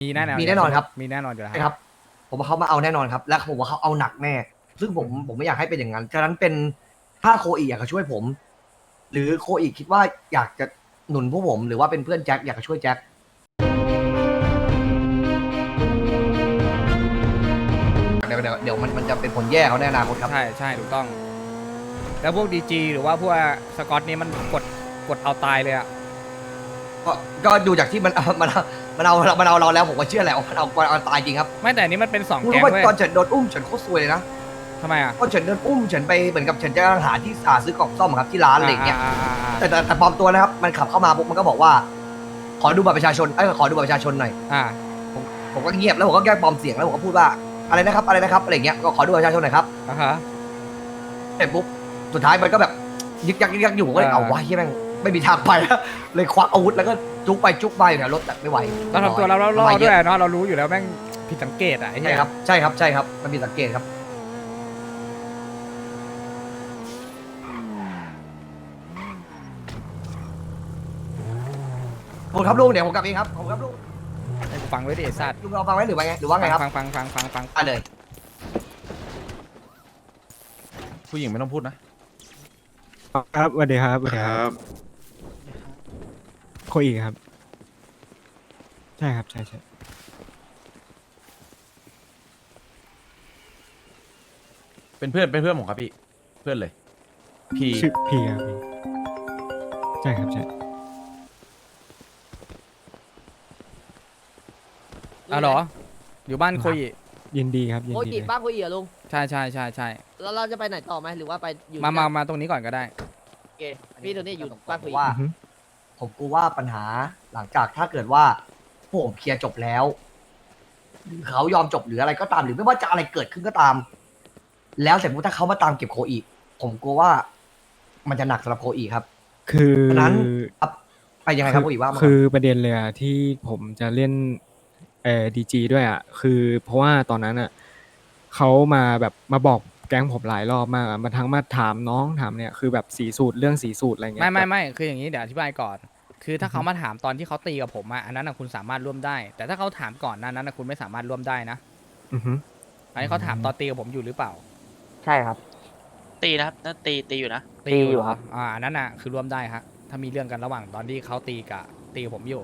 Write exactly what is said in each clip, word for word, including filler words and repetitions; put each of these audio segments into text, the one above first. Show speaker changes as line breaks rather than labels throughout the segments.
แน่นอน
มีแน่นอนครับ
มีแน่นอนอยู่แล้ว
ใช่ครับผมว่าเขามาเอาแน่นอนครับและผมว่าเขาเอาหนักแน่ซึ่งผมผมไม่อยากให้เป็นอย่างนั้นฉะนั้นเป็นถ้าโคอีอยากจะช่วยผม หรือโคอีคิดว่าอยากจะหนุนพวกผมหรือว่าเป็นเพื่อนแจ็คอยากจะช่วยแจ็คเดี๋ยวเดี๋ยวเดี๋ยวมันมันจะเป็นผลแย่เขาในอนาคตครับ
ใช่ใช่ถูกต้อง แล้วพวกดีจีหรือว่าพวกสกอตนี่มันกดกดเอาตายเลยอะ
ก็ก็ดูจากที่มันมันมันเอามันเอาเราแล้วผมก็เชื่อแหละว่ามันเอาเอาตายจริงครับ
ไม่แต่อันนี้มันเป็นสอง
คุณ
แก๊
รู้
ง
ว่า
เว้ย
ตอนเฉินโดนอุ้มเฉินโคตรซวยเลยนะ
ทำไมอะ
ตอนเฉินโดนอุ้มเฉินไปเหมือนกับเฉินจะหาที่หาซื้อกล่องซ่อมครับที่ร้านอะไรอย่างเงี้ย
อ่าอ่าอ่า
แต่แต่แต่ปลอมตัวนะครับมันขับเข้ามาปุ๊บมันก็บอกว่า ขอดูบัตรประชาชนเอ้ยขอดูบัตรประชาชนหน่อย
อ่า
ผมผมก็เงียบแล้วผมก็แกล้งปลอมเสียงแล้วผมก็พูดว่าอะไรนะครับอะไรนะครับอะไรอย่างเงี้ยก็ขอดูบัตรประชาชนหน่อยครับ
อ่าฮะ
เสร็จปุ๊บสุดท้ายมันก็แบบยึกยักยึกยักอยู่ผมก็เลย
อ่า
เอาไว้ที่แม่งไม่มีทางไปแล้วเลยควักอาวุธแล้วก็จุกไปจุกไปเนี่ยรถแต่ไม่ไหว
เราทำตัวเราล่อ
ไม่
ๆ
เย
ด้วย
อะ
เนาะเรารู้อยู่แล้วแม่งผิดสังเกตอะไอ้เหี้
ใช่
ย
ครับใช่ครับใช่ครับมันมีสังเกตครับผมครับลุงเดี๋ยวผมกลับเองครับผมครับลุง
ให้กูฟังไว้ดิไอ้สัตว์
ลุงเราฟังไว้หรือว่าไงหรือว่าไงครับ
ฟังฟังฟังฟังฟัง
อ่ะเลย
ผู้หญิงไม่ต้องพูดนะ
ครับสวัสดีครับสวัสดี
ค
ค
รั
รับบ โคอีกครับ ใช่ครับใช่ใช่
เป็นเพื่อนเป็นเพื่อนผมครับพี่ เพื่อนเลย พี่
ชื่อพีครับพีใช่ครับใช่
อ่ะเหรออยู่บ้านโคยิ
ยินดีครับยิน
โค
ดี
จิ
เลย
บ้านโคจิเหรอลุง
ใช่ใช่ใช่ใช่
แล้วเราจะไปไหนต่อไหมหรือว่าไปอยู่
มา
ที่
มา
นั่น
มาตรงนี้ก่อนก็ได้
โอเคพี่โทนี่อยู่บ้านโคจิ
ว่า
อือฮึ
ผมกลัวว่าปัญหาหลังจากถ้าเกิดว่าพวกผมเคลียร์จบแล้วหรือเขายอมจบหรืออะไรก็ตามหรือไม่ว่าจะอะไรเกิดขึ้นก็ตาม แล้วเสร็จปุ๊บถ้าเขามาตามเก็บโคอีกผมกลัวว่ามันจะหนักสำหรับโคอีครับ
คือ
ฉะนั้นครับไปยังไงครับโคอีว่ามา
คือประเด็นเลยอะที่ผมจะเล่นเอ่อดีจีด้วยอะคือเพราะว่าตอนนั้นอะเขามาแบบมาบอกแก๊งผมหลายรอบมากอะมาทั้งมาถามน้องถามเนี่ยคือแบบสีสูตรเรื่องสีสูตรอะไรเงี้ย
ไม่ไม่
แบบ
ไม่คืออย่างนี้เดี๋ยวอธิบายก่อน คือถ้า
อือฮึ
เขามาถามตอนที่เขาตีกับผมอะอันนั้นนะคุณสามารถร่วมได้ แต่ถ้าเขาถามก่อนหนั้นนั้นนะคุณไม่สามารถร่วมได้นะ
อือฮึ
อันนี้เขาถามตอนตีกับผมอยู่หรือเปล่า
ใช่ครับ
ตีนะครับนั่นตีตีอยู่นะ
ตีอยู่
เห
ครับ
อ่าอันนั้นน่ะคือร่วมได้ฮะถ้ามีเรื่องกันระหว่างตอนที่เขาตีกับตีกับผมอยู่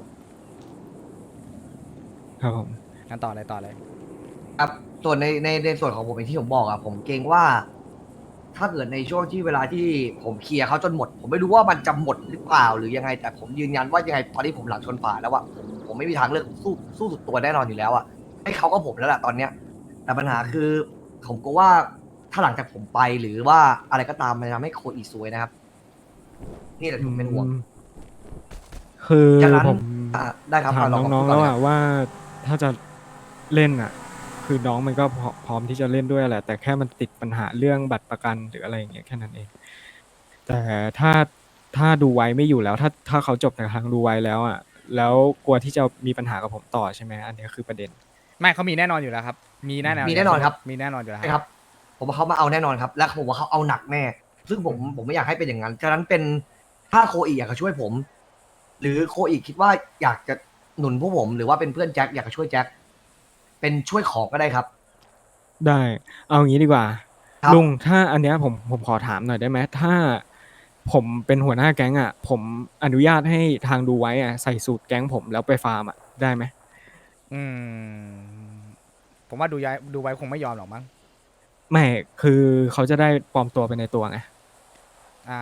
ครับผม
งั้นต่อเลยต่อเลย
ครับส่วนในในในส่วนของผมเองที่ผมบอกอะผมเกรงว่า ถ้าเกิดในช่วงที่เวลาที่ผมเคลียร์เขาจนหมด ผมไม่รู้ว่ามันจะหมดหรือเปล่าหรือยังไง แต่ผมยืนยันว่ายังไงตอนนี้ผมหลังชนฝาแล้วอะผมผมไม่มีทางเลือกสู้สู้สุดตัวแน่นอนอยู่แล้วอะให้เขาก็ผมแล้วแหละตอนเนี้ย แต่ปัญหาคือผมก็ว่าถ้าหลังจากผมไปหรือว่าอะไรก็ตามมันจะทำให้โคอีซวยนะครับ นี่แหละผมเป็นห่วง
อืมคือ
จากนั้น
ผม
อ่ะได้ครับ
ถาม
ลอง
น้องๆ
พูดก่
แล้
อน
ว
เลยค
อะ
รับ
ว่าถ้าจะเล่นอะคือน้องมันก็พร้อพร้อมที่จะเล่นด้วยแหละ แต่แค่มันติดปัญหาเรื่องบัตรประกันหรืออะไรอย่างเงี้ยแค่นั้นเอง แต่ถ้าถ้าดูไว้ไม่อยู่แล้ว ถ้าถ้าเขาจบในทางดูไว้แล้วอะแล้วกลัวที่จะมีปัญหากับผมต่อใช่ไหมอันเนี้ยคือประเด็น
ไม่เขามีแน่นอนอยู่แล้วครับ มีแน่นอน
มีแน่นอนครับ
มีแน่นอนอยู่แล้ว
ใช่ครับ ผมว่าเขามาเอาแน่นอนครับ และผมว่าเขาเอาหนักแน่ ซึ่งผมผมไม่อยากให้เป็นอย่างนั้น ฉะนั้นเป็นถ้าโคอีอยากจะช่วยผม หรือโคอีคิดว่าอยากจะหนุนพวกผม หรือว่าเป็นเพื่อนแจ็คอยากจะช่วยแจ็คเป็นช่วยของก็ได้ครับ
ได้ เอางี้ดีกว่า
ครับ
ลุงถ้าอันเนี้ยผมผมขอถามหน่อยได้ไหมถ้าผมเป็นหัวหน้าแก๊งอ่ะ ผมอนุญาตให้ทางดูไว้อ่ะใส่สูตรแก๊งผมแล้วไปฟาร์มอ่ะได้ไหม
อืมผมว่าดูย้ายดูไว้คงไม่ยอมหรอกมั้ง
ไม่คือเขาจะได้ปลอมตัวไปในตัวไง
อ่า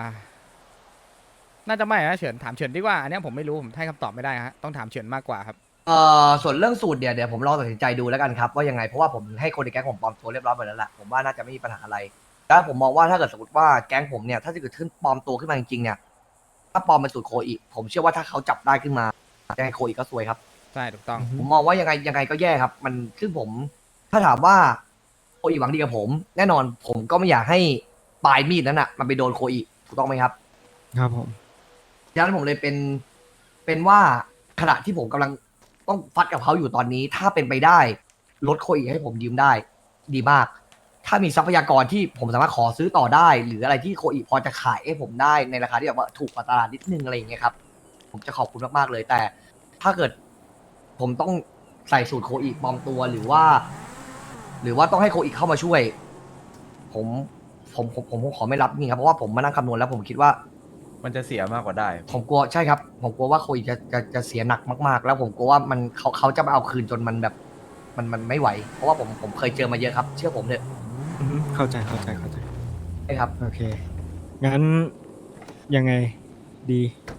น่าจะไม่นะเฉินถามเฉินดีกว่าอันเนี้ยผมไม่รู้ผมให้คำตอบไม่ได้ฮะต้องถามเฉินมากกว่าครับ
เอ่อส่วนเรื่องสูตรเนี่ยเดี๋ยวผมลองตัดสินใจดูแล้วกันครับว่ายังไงเพราะว่าผมให้คนในแก๊งผมปลอมตัวเรียบร้อยหมดแล้วแหละผมว่าน่าจะไม่มีปัญหาอะไรแล้วผมมองว่าถ้าเกิดสมมติว่าแก๊งผมเนี่ยถ้าจะเกิดขึ้นปลอมตัวขึ้นมาจริงๆเนี่ยถ้าปลอมเป็นสูตรโคอีผมเชื่อว่าถ้าเขาจับได้ขึ้นมายังไงโคอีก็ซวยครับ
ใช่ถูกต้อง
ผมมองว่ายังไงยังไงก็แย่ครับ มันซึ่งผม ถ้าถามว่าโคอีหวังดีกับผม แน่นอนผมก็ไม่อยากให้ปลายมีดนั้นอ่ะมันไปโดนโคอีถูกต้องไหมครับ
ครับผม
ดังนั้นผมเลยเป็นเป็นว่าขณะที่ผมกำลังต้องฟัดกับเขาอยู่ตอนนี้ ถ้าเป็นไปได้ลดโคอีให้ผมยืมได้ ดีมาก ถ้ามีทรัพยากรที่ผมสามารถขอซื้อต่อได้ หรืออะไรที่โคอีพอจะขายให้ผมได้ในราคาที่แบบว่าถูกกว่าตลาดนิดนึงอะไรอย่างเงี้ยครับ ผมจะขอบคุณมากๆเลย แต่ถ้าเกิดผมต้องใส่สูตรโคอีปลอมตัวหรือว่า หรือว่าต้องให้โคอีเข้ามาช่วย ผมผมผมผมผมขอไม่รับนี่ครับเพราะว่าผมมานั่งคำนวณแล้วผมคิดว่า
มันจะเสียมากกว่าได้
ผมกลัวใช่ครับ ผมกลัวว่าโคอีจะจะจะเสียหนักมากๆ แล้วผมกลัวว่ามันเขาเขาจะมาเอาคืนจนมันแบบ มันมันไม่ไหว เพราะว่าผมผมเคยเจอมาเยอะครับ เชื่อผมเถอะ
อือฮึเข้าใจเข้าใจเข้าใจ
ใช่ครับ
โอเค งั้นยังไงดี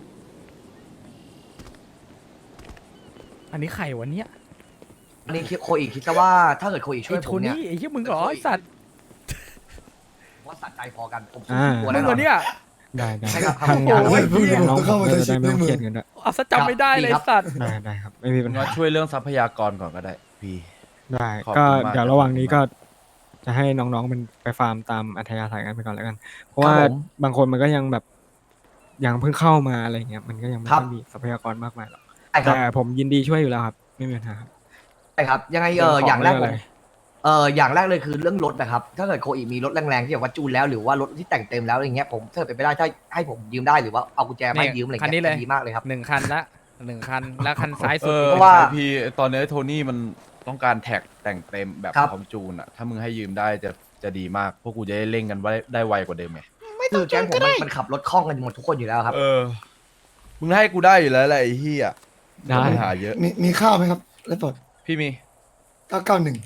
อันนี้ใครวะเนี่ย
อันนี้โคอีคิดซะว่าถ้าเกิดโคอีช่
ไอ้
วย
โท
ผมเนี่ย
นี่ไอ้เหี้ยมึงเหรอไอ้สัตว์
ว่าสัตว์ใจพอกันผมสู้
อ่า
ตัว
มึ
แน่
ง
น
เหร
อ
อน เนี่ย
ได้ได้
ใช่ครับ
ทางงาน
โอ้ย
เพื่อนน้องผมก็จะได้ไม่ต้องเครียดกันด้วย
เอาซะจำไม่ได้เลยไอ้สัตว์
ได้ได้ครับ ไม่มีปัญ
มึง
หา
มาช่วยเรื่องทรัพยากรก่อนก็ได้ พี่
ได้
ขอบ
ก็
คุณมาก
เดี๋ยวระหว่างนี้ก็จะให้น้องๆมันไปฟาร์มตามอัธยาศัยกันไปก่อนแล้วกัน เพราะว่า
ครับผม
บางคนมันก็ยังแบบยังเพิ่งเข้ามาอะไรเงี้ยมันก็ยังไม่
ครับ
ค่อยมีทรัพยากรมากมายหรอก
ใช่ครับ
แต่ผมยินดีช่วยอยู่แล้วครับ ไม่มีปัญหาครับ
ใช่ครับ ยังไงเออ
เรื่องของ
อย่างแรก
เรื่อง
ผ
อะไร
มเอออย่างแรกเลยคือเรื่องรถนะครับ ถ้าเกิดโคอีมีรถแรงๆที่แบบว่าจูนแล้วหรือว่ารถที่แต่งเต็มแล้วอย่างเงี้ยผมถ้าเป็นไปได้ถ้าให้ผมยืมได้หรือว่าเอากุญแจมาให้ยืมอะไร
คันนี้
เงี้ย
เลย
จะดีมากเลยครับ
หนึ่งคันละหนึ่งคันแล้วคันซ้าย
เอ
สุด
อ
อีก
เพราะว่า
พี่ตอนนี้โทนี่มันต้องการแท็กแต่งเต็มแบบ
ครับ
คอมจูนอ่ะ ถ้ามึงให้ยืมได้จะจะดีมาก พวกกูจะได้เล่นกันไว้ได้ไวกว่าเดิมไง
คือแก๊งผมมันมันขับรถคล่องกันหมดทุกคนอยู่แล้วครับ
เออ มึงให้กูได้อยู่แล้วแหละไอ้เหี้ย
ได้
ปัญหาเยอะ
มีมีข้าวไหมครับแล้วสด
พี่มี
เก้าเก้าหนึ่ง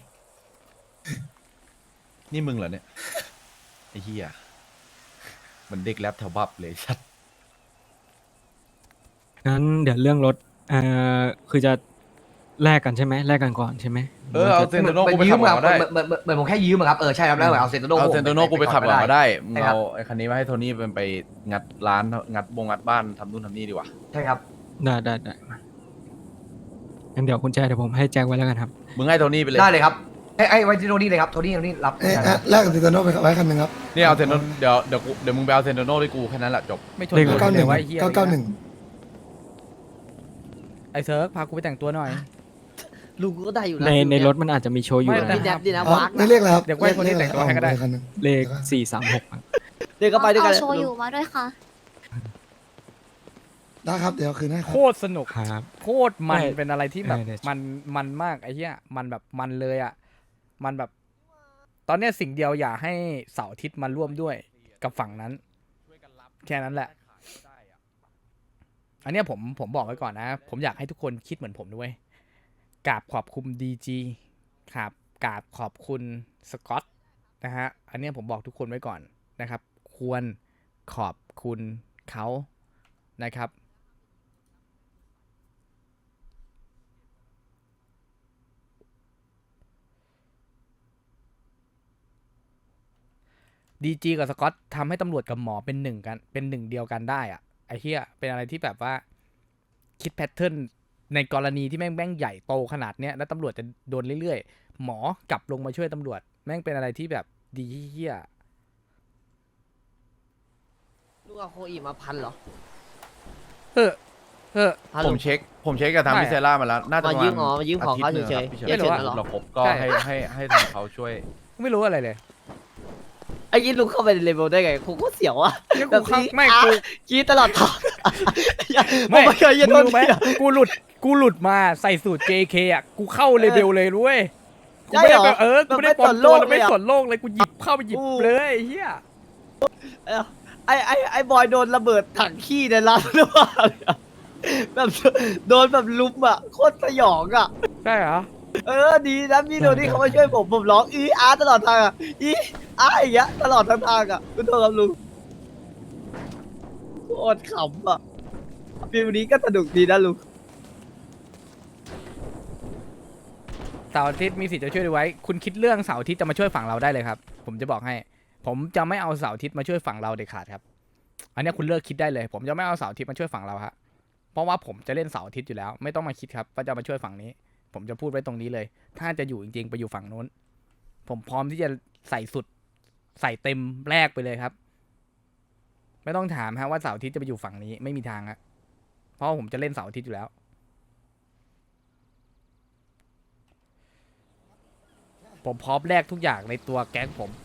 นี่มึงเหรอเนี่ย ไอ้เหี้ยเหมันเด็กแรปแถวบับเลยชัด
งั้นเดี๋ยวเรื่องรถเอ่อคือจะแลกกันใช่ไหมแลกกันก่อนใช่ไหม
เออเอาเซนโตโน่กูไป
ยื
ขั
ม
บก่
ค
อ
รั
น
บ
ก็ได้
เหมือนเหมือนเหมือนผมแค่ยืมอะครับเออใช่ครับแล้วเอาเซนโตโน่
เอาเซนโตโน่กูไปขับก่อนก็ได้ มึง
ใช่ครับ
เอาไอ้คันนี้มาให้โทนี่เป็นไปงัดร้านงัดบงงัดบ้านทำนู่นทำนี่ดีกว่า
ใช่ครับ
ได้ได้ได้มางั้นเดี๋ยวคุณแจเดี๋ยวผมให้แจ็คไว้แล้วกันครับ
มึงให้โทนี่ไปเลย
ได้เลยครับไอ้ไอ้ไว้ที่โทนี่เลยครับโทนี่โทนี่รับ
เอ๊ะอ่ะแลกกับติโตโน่ไปไว้คันหนึ่งครับ
นี่เอาเซนโตเดี๋ยวเดี๋ยวกูเดี๋ยวมึงไปเอาเซนโตโน่ที่กูแค่นั้นแหละจบ
ไม่ชน
เลข
กู
เก้าห
เล
นึ่
ย
ง
ว่าไอ้เหี้ย
เก้าเก้าหนึ่ง
ไอ้เซิร์ฟพากูไปแต่งตัวหน่อย
ลุงก็ได้อยู่นะ
ในใน
ลุงเย
รถมันอาจจะมีโชว์อยู่
ไม่
นะ
แต่
พี่แดบดีนะ
อ๋อ
วาก
ไม่เรียกอะไรครับ
เดี๋ยวไว้คนที่แต่งตัวให้ก็ได้
คันหนึ่ง
เลขสี่สามหก
เดี๋ยวก็ไปด้วยกัน
เอาโชว์อยู่มาด้วยค่ะ
ได้ครับเดี๋ยวคืนให้ค
โครับ ตรสนุก
ครับ
โคตรมัน
ไม่
เป็นอะไรที่แบบ
เออเดี๋ยว
มันมันมากไอ้เหี้ยมันแบบมันเลยอ่ะมันแบบ ตอนเนี้ยสิ่งเดียวอย่าให้เสาร์อาทิตย์มาร่วมด้วยกับฝั่งนั้น แค่นั้นแหละ อันเนี้ยผมผมบอกไว้ก่อนนะ ผมอยากให้ทุกคนคิดเหมือนผมด้วยกราบขอบคุณดีจีครับกราบขอบคุณสกอตนะฮะอันเนี้ยผมบอกทุกคนไว้ก่อนนะครับ ควรขอบคุณเขานะครับ ดีจีกับสกอตทำให้ตำรวจกับหมอเป็นหนึ่งกันเป็นหนึ่งเดียวกันได้อะไอ้เหี้ยเป็นอะไรที่แบบว่าคิดแพทเทิร์นในกรณีที่แม่งแม่งใหญ่โตขนาดเนี้ยแล้วตำรวจจะโดนเรื่อยๆ หมอกลับลงมาช่วยตำรวจ แม่งเป็นอะไรที่แบบดีเหี้ย
ลุงเอาโคอีมาพันเหรอ
เฮ้อเฮ้อ
พัน
ผ
ลุ
ม
ง
เช็ค ผมเช็คกับทาง
ไม่
พิเซล่ามาแล้ว น่าจะ
มา
ประ
ยื
มาณ
มอ๋อมายืมของเขา
ทิตย์หนึ่
เฉยๆ
ครับพี่เฉิน
ไม่รู้
ถ้า
เหรอ
เราครบก็
ใช่
ให้ให้ให้ทางเขาช่วย
ไม่รู้อะไรเลย
ไอ้ยี่ลุงเข้าไปในเลเวลได้ไงกูก็เสียวอ่ะ
เนี่ย
แบ
กู
บ
เข้า
นี้
ไม่
อ่ะ
กู
กรีดตลอดทาง
ไม่
ผมไม่เคยยืน
มึ
ต้
ง
น
รู้ไหม
เดียว
กูหลุดกูหลุดมาใส่สูตร เจ เค อ่ะกูเข้าเลเวลเลยด้วยกูไม่ได้
ใช่เหรอ
แบบเออกูไม่ได้
แบบ
ปลอม
ไม่
ตัว
สนโลก
แล้วไม่
เลยอะ
สนโลกเลยกูหยิบเข้าไปหยิบ
อู้
เลยไอ้เหี้ย
ไอ้ไอ้ไอ้บอยโดนระเบิดถังขี้ในร้านหรือเปล่าเนี่ยแบบโดนแบบลุมอ่ะโคตรสยองอ่ะ
ใช่เหรอ
เออดีนะพี่โดนี่เขามาช่วยผมผมร้องอีอาร์ตลอดทางอ่ะอีอาร์อย่างเงี้ยตลอดทางทางอ่ะคุณโทษครับลุงโคตรขำอ่ะฟิลนี้ก็สนุกดีนะลุง
เสาร์อาทิตย์มีสิทธิ์จะช่วยดูไว้ คุณคิดเรื่องเสาร์อาทิตย์จะมาช่วยฝั่งเราได้เลยครับ ผมจะบอกให้ ผมจะไม่เอาเสาร์อาทิตย์มาช่วยฝั่งเราเด็ดขาดครับ อันเนี้ยคุณเลิกคิดได้เลย ผมจะไม่เอาเสาร์อาทิตย์มาช่วยฝั่งเราฮะเพราะว่าผมจะเล่นเสาร์อาทิตย์อยู่แล้ว ไม่ต้องมาคิดครับว่าจะมาช่วยฝั่งนี้ ผมจะพูดไว้ตรงนี้เลย ถ้าจะอยู่จริงๆไปอยู่ฝั่งนู้น ผมพร้อมที่จะใส่สุดใส่เต็มแรกไปเลยครับ ไม่ต้องถามฮะว่าเสาร์อาทิตย์จะไปอยู่ฝั่งนี้ไม่มีทางฮะเพราะว่าผมจะเล่นเสาร์อาทิตย์อยู่แล้ว ผมพร้อมแลกทุกอย่างในตัวแก๊งผม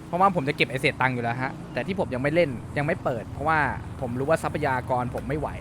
เพราะว่าผมจะเก็บไอเศษตังค์อยู่แล้วฮะแต่ที่ผมยังไม่เล่นยังไม่เปิด เพราะว่าผมรู้ว่าทรัพยากรผมไม่ไหว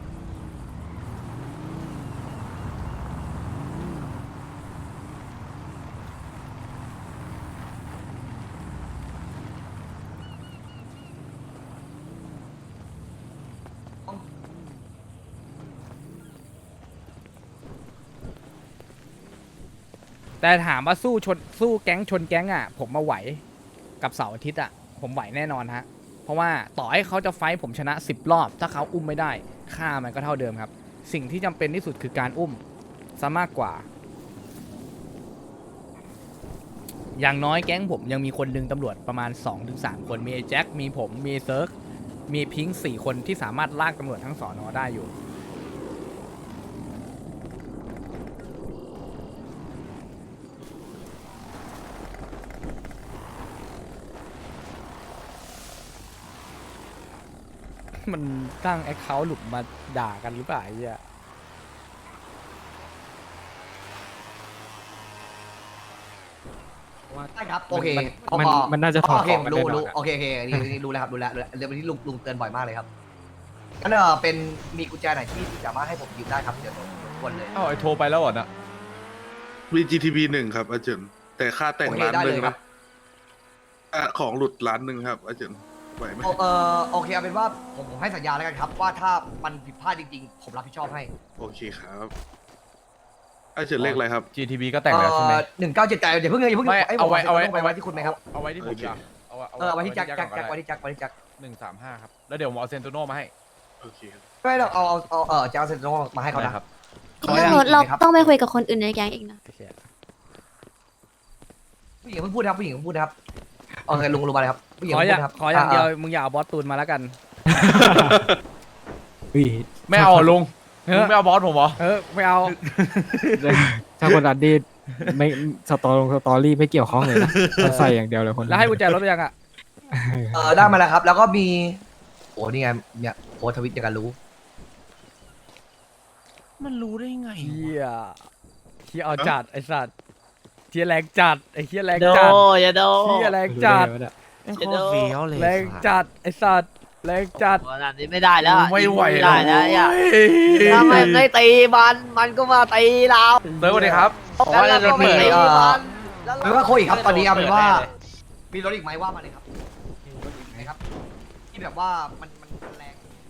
แต่ถามว่าสู้ชนสู้แก๊งชนแก๊งอ่ะ ผมมาไหวกับเสาร์อาทิตย์อ่ะ ผมไหวแน่นอนฮะ เพราะว่าต่อให้เขาจะไฟท์ผมชนะสิบรอบ ถ้าเขาอุ้มไม่ได้ ค่ามันก็เท่าเดิมครับ สิ่งที่จำเป็นที่สุดคือการอุ้มซะมากกว่า อย่างน้อยแก๊งผมยังมีคนดึงตำรวจประมาณ สองถึงสาม คน มีไอ้แจ็ค มีผม มีเซิร์กมีพิงค์สี่คนที่สามารถลากตำรวจทั้งสอนอได้อยู่ มันตั้งแอคเคาท์หลุดมาด่ากันหรือเปล่าไอ้เหี้ย
ได้ครับโอเค
มัน
พอ
มันน่าจะถอด
โอเค
ของกัน
รู้
แน่นอน
รู้
อะ
โอเคโอเคอันนี้อันนี้รู้แล้วครับรู้แล้วรู้แล้วเรื่องที่ลุงลุงเตือนบ่อยมากเลยครับงั้นเออเป็นมีกุญแจไหนที่สามารถให้ผมยืมได้ครับเดี๋ยวรบกวนเลย
เอ้าไอโทรไปแล้วเหรอนะ
มี จี ที พี หนึ่งครับอาจารย์แต่ค่าแต่ง
โอเค
ร้าน
ได้
ห
เล
นึ่ง
ยครั
นะ
บ
อ่ะของหลุดร้านหนึ่งครับอาจารย์ไหวไหม
โอเออโอเคเอาเป็นว่าผมผมให้สัญญาแล้วกันครับ ว่าถ้ามันผิดพลาดจริงๆ ผมรับผิดชอบให้
โอเคครับอาจารย์เลขอะไรครับ
จี ที บี ก็แต่งแล้วใช่ไหม
หนึ่งเก้าเจ็ดใจอย่าเพิ่งอย่าเพิ่ง
ไม่
อ้ย
เอาไว้
ผม
เอาไว้
ต้องไปไว้ที่คุณไหมครับ
เอาไว้ที่ผม
โอเค
จ้ะเอาไว้
เออเอาไว้ที่แจ็คแจ็ค
ก่อน
แจ็ค
ก็
ไว้
ได้
ที่แจ็คไว้ที่แจ็ค
หนึ่งสามห้าครับ แล้วเดี๋ยวผมเอาเซนโตโน่มาให้
โอเคครับ
ไม่เราเอาเอาเอาเออจะเอาเซ็นโตมาให้เขา
ได้
นะครับ ขอ
เรื่องรถ
อย่าง
เรา
หนึ่งนะครับ
ต้องไปคุยกับคนอื่นในแก๊งอีกนะ
ผู้หญิงเพิ่งพูดนะครับผู้หญิงเพิ่งพูดนะครับโอเคลุงลุงมาเลยครับผู้หญิง
ขอ
เพิ่ง
อ
พู
ย่าง
ดนะครับ
ขออย่างเดียว
ะ
มึงอย่าเอาบอสตูนมาแล้วกัน
เฮ้ย
ไม่เอาเหรอลุง
เออ
ลุงไม่เอาบอสผมเหรอ
เออไม่เอา
ถ้าคนอัดดีไม่สตอลงสตอรี่ไม่เกี่ยวข้องเลยนะมันใส่อย่างเดียวเลยคน
แล้วให้กุญแจรถหรือยังอ่ะ
เออได้มาแล้วครับ แล้วก็มีโอ้นี่ไงเนี่ยโพสต์ทวิตอย่างกันรู้
มันรู้ได้ไง
เฮียเฮียเอาจัดไอ้สัตว์เฮียแรงจัดไอ้เฮียแรง
โด
จัด
อย่าโด
เฮียแรงจัด
ไม่โคตรเฟี้ยวเลย
แรงจัดไอ้สัตว์แรงจัด
ขนาดนี้ไม่ได้แล้ว
ไม่ไหว
ไม่
แล้
ได้
ว
แล้วอย่าถ้ามันไม่ตีมันมันก็มาตีเรา
เติร์ดสวัสดีครับ
แล้วเราก็ไม่ตีมันแล้ว
หรือว่าโคอีกครับตอนนี้เอาเป็นว่า มีรถอีกไหมว่ามาเลยครับมีรถอีกไหมครับที่แบบว่ามันมันมันแรง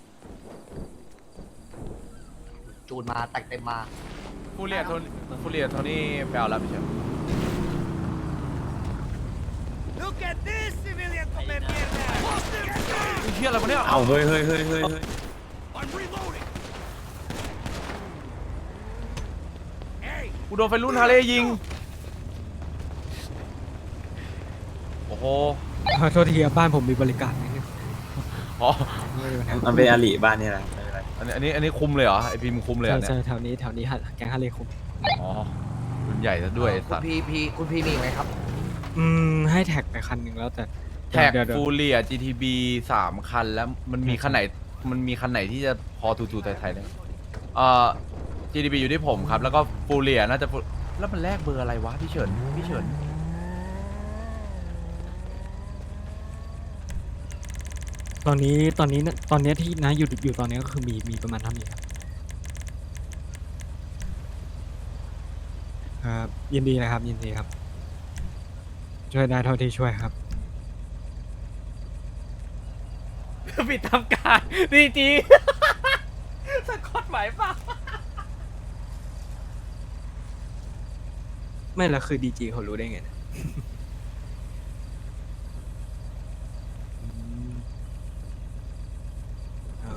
จูนมาแต่งเต็มมา
ฟูเรียโทนี่ฟูเรียโทนี่ไปเอาแล้วพี่เชฟเฮียอะไรวะเนี่ย
เอาเฮ้ยเฮ้ยเฮ้ยเฮ้ยเฮ้ย
กูโดนไฟรุ่นฮาร์เลย์ยิง โอ้โห
ขอโทษทีครับบ้านผมมีบริการนิดนึง
อ๋อ
ไม่มีปัญหา
มันเป็นอาลีบ้านนี่แหละไม่เป็นไร
อันนี้อันนี้อันนี้คุมเลยเหรอ ไอพีมคุมเลยเหร
ใช่
อเนี่
ใช่
ย
แถวนี้แถวนี้ฮะแก๊งฮาเลคุม
อ๋อรุ่นใหญ่ซะด้วยไอ้
คุ
สั
ณ
ตว์
พีพีคุณพีมีอีกไหมครับ
อืมให้แท็กไปคันหนึ่งแล้วแต่
แท็ก
เดี๋ยวเดี๋ยว
ฟูเรีย จี ที บี สามคันแล้วมันมีคันไหน มันมีคันไหนที่จะพอทูๆไทยๆได้ไหมเอ่อ จี ที บี อยู่ที่ผมครับ แล้วก็ฟูเรียน่าจะฟูแล้วมันแลกเบอร์อะไรวะพี่เฉิน พี่เฉิน
ตอนนี้ตอนนี้ตอนนี้ที่นะอยู่อยู่ตอนนี้ก็คือมีมีประมาณเท่านี้ครับครับยินดีนะครับยินดีครับ ช่วยได้เท่าที่ช่วยครับ
ปิดทำการดีจีสะกดหมายเปล่า
ไม่และคือดีจีเขารู้ได้ไงนะอ๋อ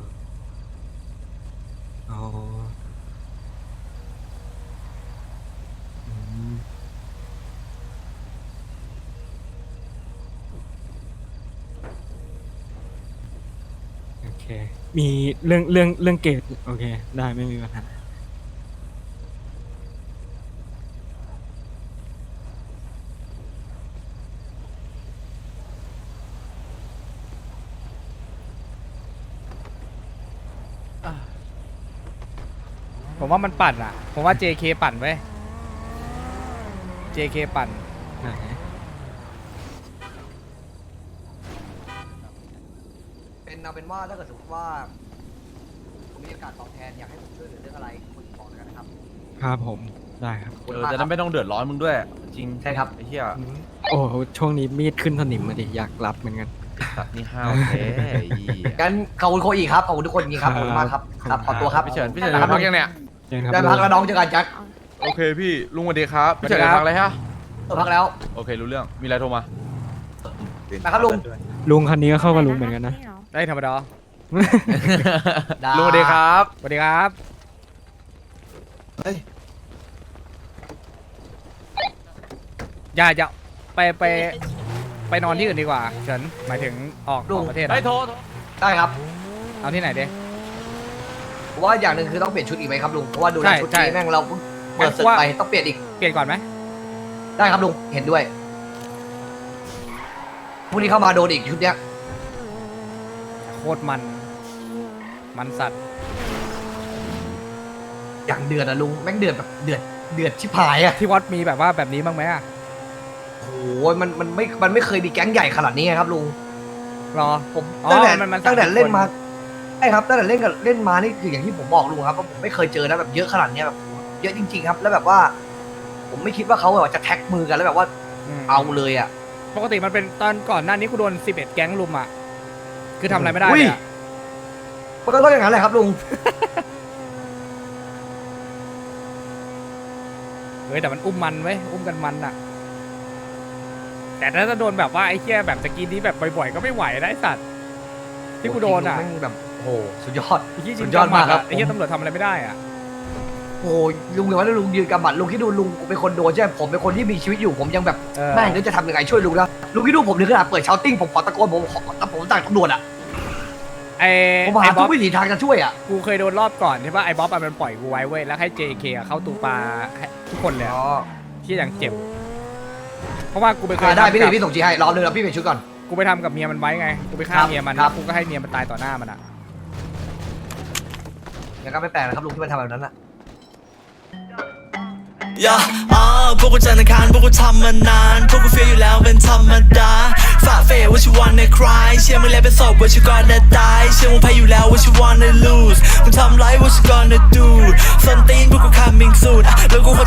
อ๋ออืมโอเค มีเรื่องเรื่องเรื่องเกรดโอเค ได้ไม่มีปัญหา
ผมว่ามันปั่นอ่ะ ผมว่า เจ เค ปั่นไว้ เจ เค ปั่น
ไหน
เป็นเอาเป็นว่าถ้าเกิดสมมติว่าผมมีโอกาสตอบแทนอยากให้ผมช่วยเหลือเรื่องอะไรคุณบอกแล้วกันนะครับ
ครับผมได้ครับ
เออจะได้ไม่ต้องเดือดร้อนมึงด้วย จริง
ใช่ครับ
ไอ้เหี้ย
อืมโอ้โหช่วงนี้มีดขึ้นสนิมมาดิอยากรับเหมือนกัน
สัตว์นี่ห้าวแท้ไอ้เหี้ย
งั้นขอบคุณโคอีกครับขอบคุณทุกคนจริงๆครับขอบคุณมากครับครับขอตัวครับ
พี่เฉินพี่เฉิน
ได้
จะพักยังเนี่ย
เชิญครับ
ได้พักแล้วน้องเจอกันแจ็ค
โอเคพี่ลุงสวัสดีครับพี่เฉินจะพักอะไรฮะ
เออพักแล้ว
โอเครู้เรื่องมีอะไรโทรมา
นะครับลุง
ลุงคันนี้ก็เข้ากับลุงเหมือนกันนะ
ได้ธรรมดา
ได้
ลุงสวัสดีครับ
สวัสดีครับ
เฮ้ย
อย่าอย่าไปไปไปนอนที่อื่นดีกว่าเฉินหมายถึงออกออกประเทศอะ
ไอ้ยโทรโทร
ได้ครับ
เอาที่ไหนดี
ผมว่าอย่างหนึ่งคือต้องเปลี่ยนชุดอีกไหมครับลุงเพราะว่าดู
ใช่
แล้วชุด
ใช่
นี้แม่งเราเพิ่งเปิดศึก
ว่า
ไปต้องเปลี่ยนอีก
เปลี่ยนก่อนไหม
ได้ครับลุงเห็นด้วยพรุ่งนี้เข้ามาโดนอีกชุดเนี้ย
โคตรมัน มันสัตว์
อย่างเดือดอะลุงแม่งเดือดแบบเดือดเดือดชิบหายอะ
ที่วัดมีแบบว่าแบบนี้บ้างไหมอะ
โอ้ยมันมันไม่มันไม่เคยมีแก๊งใหญ่ขนาดนี้ครับลุง
รอ
ผม
อ๋อ
ตั้งแต่
มันมัน
ตั้งแต่
สามสิบ
เล่นมา
คน
ใช่ครับตั้งแต่เล่นกับเล่นมานี่คืออย่างที่ผมบอกลุงครับว่าผมไม่เคยเจอนะแบบเยอะขนาดเนี้ยแบบเยอะจริง ๆ ครับ แล้วแบบว่า ผมไม่คิดว่าเขาแบบว่าจะแท็กมือกันแล้วแบบว่า
ม
เอาเลยอ่ะ
ปกติมันเป็นตอนก่อนหน้านี้กูโดนสิบเอ็ดแก๊งลุมอ่ะ คือทำอะไรไม่ได้
อุ้
เลย ยอะ
มันก็ต้องอย่างนั้นแหละครับลุง
เฮ้ยแต่มันอุ้มมันไว้ยอุ้มกันมันอ่ะ แต่ถ้าจะโดนแบบว่าไอ้เหี้ยแบบตะกี้นี้แบบบ่อยๆก็ไม่ไหวนะไอ้สัตว์ที่กูโดนอ่ะ
แม่งแบบโอ้โหสุดยอด
ไอ้เหี้ย
สุ
ยิง
ดยอด
กำหมัด
มากครั
อะ
บ
ไอ้เหี้ยตำรวจทำอะไรไม่ได้อ่ะ
โอ้ยลุงอย่างว่าลุงยืนกำบัดลุงคิดดูลุงเป็นคนโดนใช่ไหมผมเป็นคนที่มีชีวิตอยู่ผมยังแบบ
เออ
แม่งนึกจะทำยังไงช่วยลุงแล้วลุงคิดดูผมถึงขนาดเปิดเชาติ้งผมขอตะโกนผมขอผมต่างตำรวจอ่ะ
ไอ้
ผมหา
ไอ้บ๊
ทุ
อบ
กวิถีทางจะช่วยอ่ะ
กูเคยโดนรอบก่อนใช่ป่ะไอ้บ๊อบอะมันปล่อยกูไว้เว้ยแล้วให้ เจ เค อะเข้าตูปลาให้ทุกคนเลยอะที่อย่างเจ็บ เพราะว่ากูไปเคย
อ่าได้
ทำ
พี่
กับ
พี่ส่งจีให้รอเลยแล้วพี่เปลี่ยนชุดก่อน
กูไปทำกับเมียมันไว้ไง กูไปฆ่า
ครับ
เมียมัน
ค
แล้
รั
ว
บ
กูก็ให้เมียมันตายต่อหน้ามันอะ
อย่างก็ไม่แปลกนะครับลุงที่มันทำแบบนั้นอ่ะ
ย่าอ่าพวกกูจันทร์อังคารพวกกูทำมานาน พวกกูเฟียอยู่แล้วเป็นธรรมดาฝ่าเฟย what you wanna cry เชื่อมึงแล้วเป็นศพ what you gonna die เชื่อมึงแพ้อยู่แล้ว what you wanna lose มึงทำไร what you gonna do ส้นตีนพวกกู coming soon อ่ะแล้วกูขอ